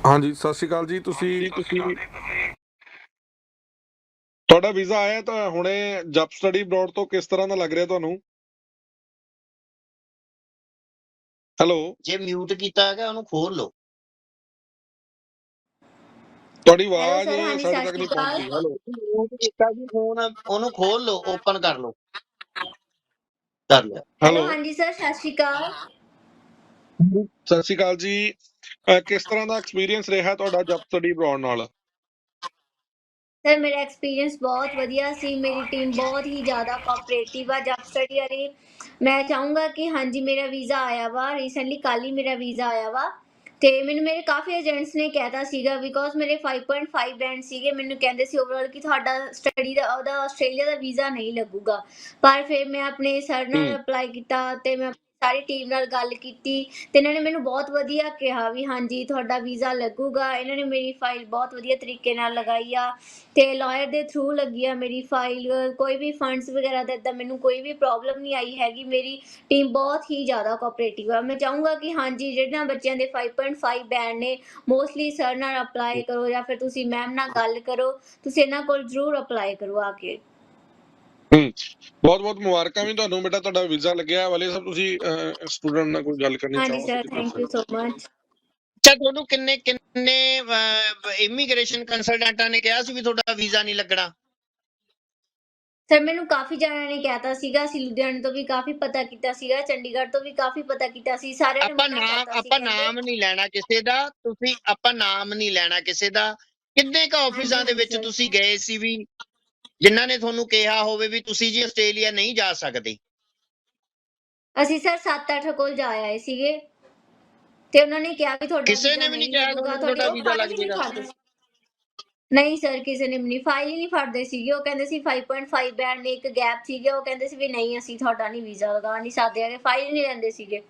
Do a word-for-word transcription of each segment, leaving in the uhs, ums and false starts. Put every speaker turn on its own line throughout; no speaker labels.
ਹਾਂਜੀ, ਸਤਿ ਸ਼੍ਰੀ ਅਕਾਲ ਜੀ। ਤੁਸੀਂ ਤੁਸੀਂ ਤੁਹਾਡਾ ਵੀਜ਼ਾ ਆਇਆ ਤਾਂ ਹੁਣੇ ਜਬ ਸਟੱਡੀ ਅਬਰੋਡ ਤੋਂ ਕਿਸ ਤਰ੍ਹਾਂ ਦਾ ਲੱਗ ਰਿਹਾ ਤੁਹਾਨੂੰ? ਹੈਲੋ,
ਜੇ ਮਿਊਟ ਕੀਤਾ ਹੈਗਾ ਉਹਨੂੰ ਖੋਲ ਲਓ।
ਤੁਹਾਡੀ
ਹੈਲੋ
ਆਵਾਜ਼
ਸਰ, ਹਾਂਜੀ
ਸਾਡੇ
ਸਤਿ
ਤੱਕ
ਸ਼੍ਰੀ
ਨਹੀਂ
ਅਕਾਲ।
ਪਹੁੰਚੀ। ਹੈਲੋ,
ਮਿਊਟ ਕੀਤਾ ਜੀ ਫੋਨ, ਉਹਨੂੰ ਖੋਲ ਲਓ, ਓਪਨ ਕਰ ਲਓ। ਕਰ ਲਿਆ।
ਹੈਲੋ
ਹੈਲੋ,
ਹਾਂਜੀ ਸਰ, ਸਤਿ ਸ਼੍ਰੀ ਅਕਾਲ।
ਸਤਿ ਸ਼੍ਰੀ ਅਕਾਲ ਜੀ। ਅਹ ਕਿਸ ਤਰ੍ਹਾਂ ਦਾ ਐਕਸਪੀਰੀਅੰਸ ਰਿਹਾ ਤੁਹਾਡਾ ਜਬ ਸਟੱਡੀ ਅਬਰੋਡ ਨਾਲ?
ਸਰ ਮੇਰਾ ਐਕਸਪੀਰੀਅੰਸ ਬਹੁਤ ਵਧੀਆ ਸੀ। ਮੇਰੀ ਟੀਮ ਬਹੁਤ ਹੀ ਜ਼ਿਆਦਾ ਕੋਆਪਰੇਟਿਵ ਆ ਜਬ ਸਟੱਡੀ ਵਾਲੀ। ਮੈਂ ਚਾਹੂੰਗਾ ਕਿ ਹਾਂਜੀ ਮੇਰਾ ਵੀਜ਼ਾ ਆਇਆ ਵਾ ਰੀਸੈਂਟਲੀ, ਕੱਲ੍ਹ ਹੀ ਮੇਰਾ ਵੀਜ਼ਾ ਆਇਆ ਵਾ। ਤੇ ਮੈਨੂੰ ਮੇਰੇ ਕਾਫੀ ਏਜੰਟਸ ਨੇ ਕਹਿਤਾ ਸੀਗਾ, ਬਿਕੋਜ਼ ਮੇਰੇ ਫਾਈਵ ਪੁਆਇੰਟ ਫਾਈਵ ਬੈਂਡ ਸੀਗੇ। ਮੈਨੂੰ ਕਹਿੰਦੇ ਸੀ ਓਵਰਆਲ ਕਿ ਤੁਹਾਡਾ ਸਟੱਡੀ ਦਾ ਉਹਦਾ ਆਸਟ੍ਰੇਲੀਆ ਦਾ ਵੀਜ਼ਾ ਨਹੀਂ ਲੱਗੂਗਾ। ਪਰ ਫਿਰ ਮੈਂ ਆਪਣੇ ਸਰ ਨਾਲ ਅਪਲਾਈ ਕੀਤਾ ਤੇ ਮੈਂ ਸਾਰੀ ਟੀਮ ਨਾਲ ਗੱਲ ਕੀਤੀ ਤੇ ਇਹਨਾਂ ਨੇ ਮੈਨੂੰ ਬਹੁਤ ਵਧੀਆ ਕਿਹਾ ਵੀ ਹਾਂਜੀ ਤੁਹਾਡਾ ਵੀਜ਼ਾ ਲੱਗੂਗਾ। ਇਹਨਾਂ ਨੇ ਮੇਰੀ ਫਾਈਲ ਬਹੁਤ ਵਧੀਆ ਤਰੀਕੇ ਨਾਲ ਲਗਾਈ ਆ ਤੇ ਲਾਇਰ ਦੇ ਥਰੂ ਲੱਗੀ ਆ ਮੇਰੀ ਫਾਈਲ। ਕੋਈ ਵੀ ਫੰਡਸ ਵਗੈਰਾ ਦਾ ਇੱਦਾਂ ਮੈਨੂੰ ਕੋਈ ਵੀ ਪ੍ਰੋਬਲਮ ਨਹੀਂ ਆਈ ਹੈਗੀ। ਮੇਰੀ ਟੀਮ ਬਹੁਤ ਹੀ ਜ਼ਿਆਦਾ ਕੋਆਪਰੇਟਿਵ ਆ। ਮੈਂ ਚਾਹੂੰਗਾ ਕਿ ਹਾਂਜੀ ਜਿਹਨਾਂ ਬੱਚਿਆਂ ਦੇ ਫਾਈਵ ਪੁਆਇੰਟ ਫਾਈਵ ਬੈਂਡ ਨੇ, ਮੋਸਟਲੀ ਸਰ ਨਾਲ ਅਪਲਾਈ ਕਰੋ ਜਾਂ ਫਿਰ ਤੁਸੀਂ ਮੈਮ ਨਾਲ ਗੱਲ ਕਰੋ। ਤੁਸੀਂ ਇਹਨਾਂ ਕੋਲ ਜ਼ਰੂਰ ਅਪਲਾਈ ਕਰੋ ਆ ਕੇ।
ਹੂੰ, ਬਹੁਤ ਬਹੁਤ ਮੁਬਾਰਕਾਂ ਵੀ ਤੁਹਾਨੂੰ ਬੇਟਾ, ਤੁਹਾਡਾ ਵੀਜ਼ਾ ਲੱਗਿਆ। ਵਾਲੇ ਸਾਹਿਬ, ਤੁਸੀਂ ਸਟੂਡੈਂਟ ਨਾਲ ਕੋਈ ਗੱਲ ਕਰਨੀ
ਹਾਂਜੀ
ਚਾਹੋ
ਸਰ,
ਤੁਸੀਂ ਕਰ
ਥੈਂਕ ਯੂ
ਸਕਦੇ
ਸੋ ਮਚ।
ਅੱਛਾ, ਤੁਹਾਨੂੰ ਕਿੰਨੇ ਕਿੰਨੇ ਇਮੀਗ੍ਰੇਸ਼ਨ ਕੰਸਲਟੈਂਟਾਂ ਨੇ ਕਿਹਾ ਸੀ ਵੀ ਤੁਹਾਡਾ ਵੀਜ਼ਾ ਨਹੀਂ ਲੱਗਣਾ?
ਸਰ ਮੈਨੂੰ ਕਾਫੀ ਜਣਿਆਂ ਨੇ ਕਹਿਤਾ ਸੀਗਾ। ਅਸੀਂ ਲੁਧਿਆਣੇ ਤੋਂ ਵੀ ਕਾਫੀ ਪਤਾ ਕੀਤਾ ਸੀਗਾ, ਚੰਡੀਗੜ੍ਹ ਤੋਂ ਵੀ ਕਾਫੀ ਪਤਾ ਕੀਤਾ ਸੀ। ਸਾਰਿਆਂ ਨੇ
ਆਪਾਂ
ਮਨਾ
ਨਾਮ
ਕਰਤਾ ਸੀ,
ਆਪਾਂ
ਕਹਿੰਦੇ
ਨਾਮ ਨਹੀਂ ਲੈਣਾ ਕਿਸੇ ਦਾ। ਤੁਸੀਂ ਆਪਾਂ ਨਾਮ ਨਹੀਂ ਲੈਣਾ ਕਿਸੇ ਦਾ। ਕਿੰਨੇ ਕ
ਹਾਂਜੀ
ਆਫਿਸਾਂ ਦੇ
ਹਾਂਜੀ
ਵਿੱਚ
ਸਰ।
ਤੁਸੀਂ ਗਏ ਸੀ ਵੀ ਜਿਨ੍ਹਾਂ ਨੇ ਤੁਹਾਨੂੰ ਕਿਹਾ ਹੋਵੇ ਵੀ ਤੁਸੀਂ ਜੀ ਆਸਟ੍ਰੇਲੀਆ ਨਹੀਂ ਜਾ ਸਕਦੇ?
ਅਸੀਂ ਸਰ ਸੱਤ ਅੱਠ ਕੋਲ ਜਾ ਆਏ ਸੀਗੇ ਤੇ ਉਹਨਾਂ ਨੇ ਕਿਹਾ ਵੀ ਤੁਹਾਡਾ
ਕਿਸੇ
ਵੀਜ਼ਾ
ਨੇ ਵੀ ਨਹੀਂ
ਨਹੀਂ
ਕਿਹਾ
ਲੱਗੂਗਾ।
ਤੁਹਾਨੂੰ ਵੀ
ਤੁਹਾਡੀ
ਤੁਹਾਡਾ
ਉਹ
ਵੀਜ਼ਾ
ਫਾਈਲ
ਲੱਗ
ਹੀ ਨਹੀਂ
ਜਾਏਗਾ?
ਫੜਦੇ। ਨਹੀਂ ਸਰ, ਕਿਸੇ ਨੇ ਵੀ ਨਹੀਂ, ਫਾਈਲ ਹੀ ਨਹੀਂ ਫੜਦੇ ਸੀਗੇ। ਉਹ ਕਹਿੰਦੇ ਸੀ ਫਾਈਵ ਪੁਆਇੰਟ ਫਾਈਵ ਬੈਂਡ ਨੇ ਇੱਕ ਗੈਪ ਸੀਗੇ। ਉਹ ਕਹਿੰਦੇ ਸੀ ਵੀ ਨਹੀਂ ਅਸੀਂ ਤੁਹਾਡਾ ਨਹੀਂ ਵੀਜ਼ਾ ਲਗਾ ਨਹੀਂ ਸਕਦੇ ਹੈਗੇ, ਫਾਈਲ ਹੀ ਨਹੀਂ ਲੈਂਦੇ ਸੀਗੇ।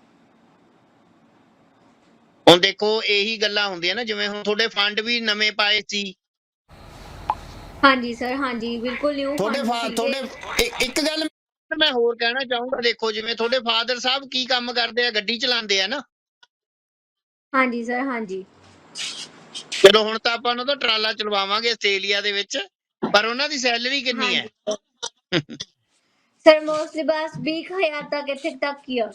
ਹੁਣ ਦੇਖੋ ਇਹੀ ਗੱਲਾਂ ਹੁੰਦੀਆਂ ਨਾ, ਜਿਵੇਂ ਹੁਣ ਤੁਹਾਡੇ ਫੰਡ ਵੀ ਨਵੇਂ ਪਾਏ ਸੀ।
ਹਾਂਜੀ ਸਰ, ਹਾਂਜੀ ਬਿਲਕੁਲ ਨਿਊ
ਤੁਹਾਡੇ
ਫੰਡ
ਫਾ
ਸੀਗੇ।
ਤੁਹਾਡੇ ਇ- ਇੱਕ ਗੱਲ ਮੈਂ ਹੋਰ ਕਹਿਣਾ ਚਾਹੂੰਗਾ। ਦੇਖੋ ਜਿਵੇਂ ਤੁਹਾਡੇ ਫਾਦਰ ਸਾਹਿਬ ਕੀ ਕੰਮ ਕਰਦੇ ਆ? ਗੱਡੀ ਚਲਾਉਂਦੇ ਆ ਨਾ?
ਹਾਂਜੀ ਸਰ, ਹਾਂਜੀ।
ਚਲੋ ਹੁਣ ਤਾਂ ਆਪਾਂ ਉਹਨਾਂ ਦਾ ਟਰਾਲਾ ਚਲਵਾਵਾਂਗੇ ਆਸਟ੍ਰੇਲੀਆ ਦੇ ਵਿੱਚ, ਪਰ ਉਹਨਾਂ ਦੀ ਸੈਲਰੀ ਕਿੰਨੀ ਹੈ?
ਹਾਂਜੀ ਸਰ ਮੋਸਟਲੀ ਬਸ ਵੀਹ ਹਜ਼ਾਰ ਤੱਕ, ਇੱਥੇ ਤੱਕ ਹੀ ਆ।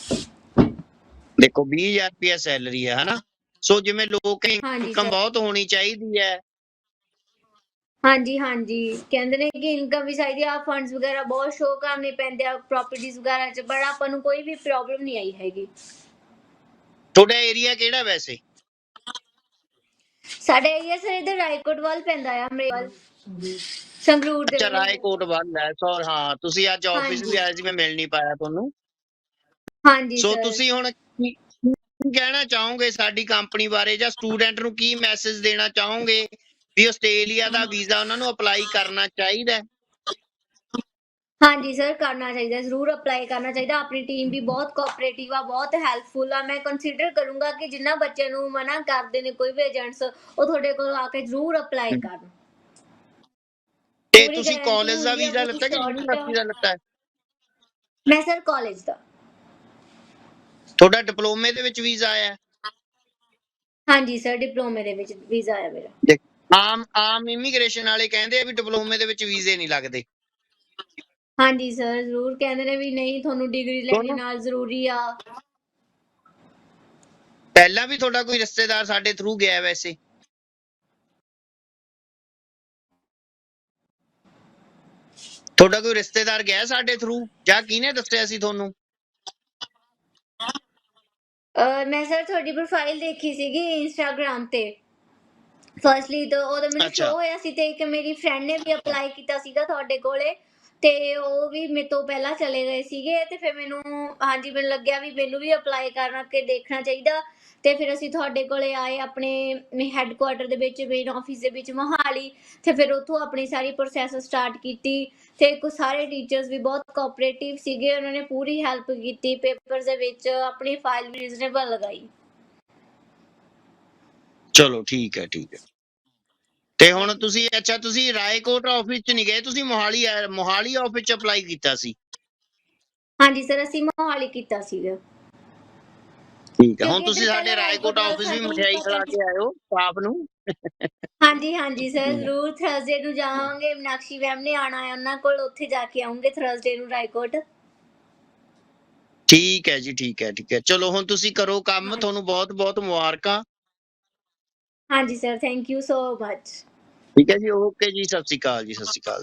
ਦੇਖੋ ਵੀਹ ਹਜ਼ਾਰ ਰੁਪਇਆ ਸੈਲਰੀ ਹੈ ਹਨਾ। ਸੋ ਜਿਵੇਂ ਲੋਕ
ਹਾਂਜੀ
ਇਨਕਮ
ਸਰ,
ਬਹੁਤ ਹੋਣੀ ਚਾਹੀਦੀ ਹੈ।
ਹਾਂਜੀ ਹਾਂਜੀ ਕਹਿੰਦੇ ਨੇ ਕਿ ਇਨਕਮ ਵੀ ਚਾਹੀਦੀ ਆ, ਫੰਡਸ ਵਗੈਰਾ ਬਹੁਤ ਸ਼ੋ ਕਰਨੇ ਪੈਂਦੇ ਆ ਪ੍ਰੋਪਰਟੀਜ਼ ਵਗੈਰਾ ਚ, ਬਟ ਆਪਾਂ ਨੂੰ ਕੋਈ ਵੀ ਪ੍ਰੋਬਲਮ ਨਹੀਂ ਆਈ ਹੈਗੀ।
ਤੁਹਾਡਾ ਏਰੀਆ ਕਿਹੜਾ ਵੈਸੇ?
ਸਾਡੇ ਏਰੀਆ ਸਰ ਇਧਰ ਰਾਏਕੋਟ ਵੱਲ ਪੈਂਦਾ ਆ, ਮੇਰੇ ਵੱਲ ਸੰਗਰੂਰ ਦੇ
ਅੱਛਾ,
ਵੱਲ।
ਰਾਏਕੋਟ ਵੱਲ ਹੈ। ਸੋ ਹਾਂ, ਤੁਸੀਂ ਅੱਜ ਆਫਿਸ
ਹਾਂਜੀ
ਵੀ ਆਏ ਸੀ, ਮੈਂ ਮਿਲ ਨਹੀਂ ਪਾਇਆ ਤੁਹਾਨੂੰ।
ਹਾਂਜੀ
ਸੋ
ਸਰ।
ਤੁਸੀਂ ਹੁਣ ਕੀ ਕੀ ਕਹਿਣਾ ਚਾਹੋਗੇ ਸਾਡੀ ਕੰਪਨੀ ਬਾਰੇ, ਜਾਂ ਸਟੂਡੈਂਟ ਨੂੰ ਕੀ ਮੈਸੇਜ ਦੇਣਾ ਚਾਹੋਗੇ ਵੀ ਆਸਟ੍ਰੇਲੀਆ ਦਾ ਵੀਜ਼ਾ ਉਹਨਾਂ ਨੂੰ ਅਪਲਾਈ ਕਰਨਾ ਚਾਹੀਦਾ ਹੈ?
ਹਾਂਜੀ ਸਰ, ਕਰਨਾ ਚਾਹੀਦਾ, ਜ਼ਰੂਰ ਅਪਲਾਈ ਕਰਨਾ ਚਾਹੀਦਾ। ਆਪਣੀ ਟੀਮ ਵੀ ਬਹੁਤ ਕੋਆਪਰੇਟਿਵ ਆ, ਬਹੁਤ ਹੈਲਪਫੁਲ ਆ। ਮੈਂ ਕੰਸੀਡਰ ਕਰੂੰਗਾ ਕਿ ਜਿਨ੍ਹਾਂ ਬੱਚਿਆਂ ਨੂੰ ਮਨਾ ਕਰਦੇ ਨੇ ਕੋਈ ਵੀ ਏਜੰਟਸ, ਉਹ ਤੁਹਾਡੇ ਕੋਲ ਆ ਕੇ ਜ਼ਰੂਰ ਅਪਲਾਈ ਕਰਨ।
ਤੇ
ਪੂਰੀ
ਤੁਸੀਂ
ਗਾਰੰਟੀ
ਕਾਲਜ ਦਾ
ਹੁੰਦੀ ਆ,
ਵੀਜ਼ਾ
ਪੂਰੀ
ਲੱਤਾ ਕਿ
ਸ਼ੋਰਟੀ ਆ।
ਯੂਨੀਵਰਸਿਟੀ ਦਾ ਲੱਤਾ ਹੈ?
ਮੈਂ ਸਰ ਕਾਲਜ ਦਾ।
ਤੁਹਾਡਾ ਡਿਪਲੋਮੇ ਦੇ ਵਿੱਚ ਵੀਜ਼ਾ ਆਇਆ?
ਹਾਂਜੀ ਸਰ, ਡਿਪਲੋਮੇ ਦੇ ਵਿੱਚ ਵੀਜ਼ਾ ਆਇਆ ਮੇਰਾ।
ਦੇਖ, ਆਮ ਆਮ ਇਮੀਗ੍ਰੇਸ਼ਨ ਵਾਲੇ ਕਹਿੰਦੇ ਆ ਵੀ ਡਿਪਲੋਮੇ ਦੇ ਵਿੱਚ ਵੀਜ਼ੇ ਨਹੀਂ ਲੱਗਦੇ।
ਹਾਂਜੀ ਸਰ, ਜ਼ਰੂਰ ਕਹਿੰਦੇ ਨੇ ਵੀ ਨਹੀਂ ਤੁਹਾਨੂੰ ਡਿਗਰੀ ਲੈਣੀ
ਤੁਹਾਨੂੰ
ਨਾਲ ਜ਼ਰੂਰੀ ਆ।
ਪਹਿਲਾਂ ਵੀ ਤੁਹਾਡਾ ਕੋਈ ਰਿਸ਼ਤੇਦਾਰ ਸਾਡੇ ਥਰੂ ਗਿਆ ਵੈਸੇ? ਤੁਹਾਡਾ ਕੋਈ ਰਿਸ਼ਤੇਦਾਰ ਗਿਆ ਸਾਡੇ ਥਰੂ, ਜਾਂ ਕਿਹਨੇ ਦੱਸਿਆ ਸੀ ਤੁਹਾਨੂੰ?
ਅਹ ਮੈਂ ਸਰ ਤੁਹਾਡੀ ਪ੍ਰੋਫਾਈਲ ਦੇਖੀ ਸੀਗੀ ਇੰਸਟਾਗ੍ਰਾਮ ਤੇ ਫਸਟਲੀ, ਤਾਂ ਉਹਦਾ ਮੈਨੂੰ ਸ਼ੋ
ਅੱਛਾ,
ਹੋਇਆ ਸੀ ਤੇ ਇੱਕ ਮੇਰੀ ਫਰੈਂਡ ਨੇ ਵੀ ਅਪਲਾਈ ਕੀਤਾ ਸੀਗਾ ਤੁਹਾਡੇ ਕੋਲੇ, ਤੇ ਉਹ ਵੀ ਮੇਰੇ ਤੋਂ ਪਹਿਲਾਂ ਚਲੇ ਗਏ ਸੀਗੇ। ਤੇ ਫਿਰ ਮੈਨੂੰ ਹਾਂਜੀ ਮੈਨੂੰ ਲੱਗਿਆ ਵੀ ਮੈਨੂੰ ਵੀ ਅਪਲਾਈ ਕਰਨਾ ਕੇ ਦੇਖਣਾ ਚਾਹੀਦਾ। ਤੇ ਫਿਰ ਅਸੀਂ ਤੁਹਾਡੇ ਕੋਲੇ ਆਏ ਆਪਣੇ ਹੈੱਡਕੁਆਟਰ ਦੇ ਵਿੱਚ, ਮੇਨ ਆਫਿਸ ਦੇ ਵਿੱਚ ਮੋਹਾਲੀ। ਤੇ ਫਿਰ ਉੱਥੋਂ ਆਪਣੀ ਸਾਰੀ ਪ੍ਰੋਸੈਸ ਸਟਾਰਟ ਕੀਤੀ ਤੇ ਕੁਝ ਸਾਰੇ ਟੀਚਰਸ ਵੀ ਬਹੁਤ ਕੋਆਪਰੇਟਿਵ ਸੀਗੇ। ਉਹਨਾਂ ਨੇ ਪੂਰੀ ਹੈਲਪ ਕੀਤੀ ਪੇਪਰਸ ਦੇ ਵਿੱਚ, ਆਪਣੀ ਫਾਈਲ ਵੀ ਰੀਜ਼ਨੇਬਲ ਲਗਾਈ।
ਚਲੋ ਠੀਕ ਹੈ, ਠੀਕ ਹੈ। ਤੇ ਹੁਣ
ਥੈਂਕ ਯੂ
ਤੁਸੀਂ
ਸਰ।
ਅੱਛਾ ਤੁਸੀਂ ਰਾਏਕੋਟ ਆਫਿਸ ਚ ਨਹੀਂ ਗਏ, ਤੁਸੀਂ ਮੋਹਾਲੀ ਮੋਹਾਲੀ ਆਫਿਸ ਚ ਅਪਲਾਈ ਕੀਤਾ ਸੀ?
ਹਾਂਜੀ ਸਰ, ਅਸੀਂ ਮੋਹਾਲੀ ਕੀਤਾ ਸੀਗਾ।
ਠੀਕ ਹੈ, ਹੁਣ
ਕਿਉਂਕਿ
ਤੁਸੀਂ
ਇੱਧਰ
ਸਾਡੇ
ਪਹਿਲਾਂ
ਰਾਏਕੋਟ
ਰਾਏਕੋਟ ਵੱਲ
ਆਫਿਸ ਵੀ
ਸਾਨੂੰ
ਮਠਿਆਈ ਖਿਲਾ
ਫੈਕਲਟੀ
ਕੇ ਆਇਓ ਸਟਾਫ ਨੂੰ।
ਹਾਂਜੀ ਹਾਂਜੀ ਸਰ ਜ਼ਰੂਰ ਥਰਸਡੇ ਨੂੰ ਜਾਵਾਂਗੇ, ਮੀਨਾਕਸ਼ੀ ਮੈਮ ਨੇ ਆਉਣਾ ਹੈ ਉਹਨਾਂ ਕੋਲ, ਉੱਥੇ ਜਾ ਕੇ ਆਉਂਗੇ ਥਰਸਡੇ ਨੂੰ ਰਾਏਕੋਟ।
ਠੀਕ ਹੈ ਜੀ, ਠੀਕ ਹੈ, ਠੀਕ ਹੈ, ਚਲੋ ਹੁਣ ਤੁਸੀਂ ਕਰੋ ਕੰਮ,
ਹਾਂਜੀ
ਤੁਹਾਨੂੰ ਬਹੁਤ ਬਹੁਤ ਮੁਬਾਰਕਾਂ।
ਹਾਂਜੀ sir, thank you so much.
ਠੀਕ ਹੈ ਜੀ, ਓਕੇ ਜੀ, ਸਤਿ ਸ਼੍ਰੀ ਅਕਾਲ ਜੀ, ਸਤਿ ਸ਼੍ਰੀ ਅਕਾਲ।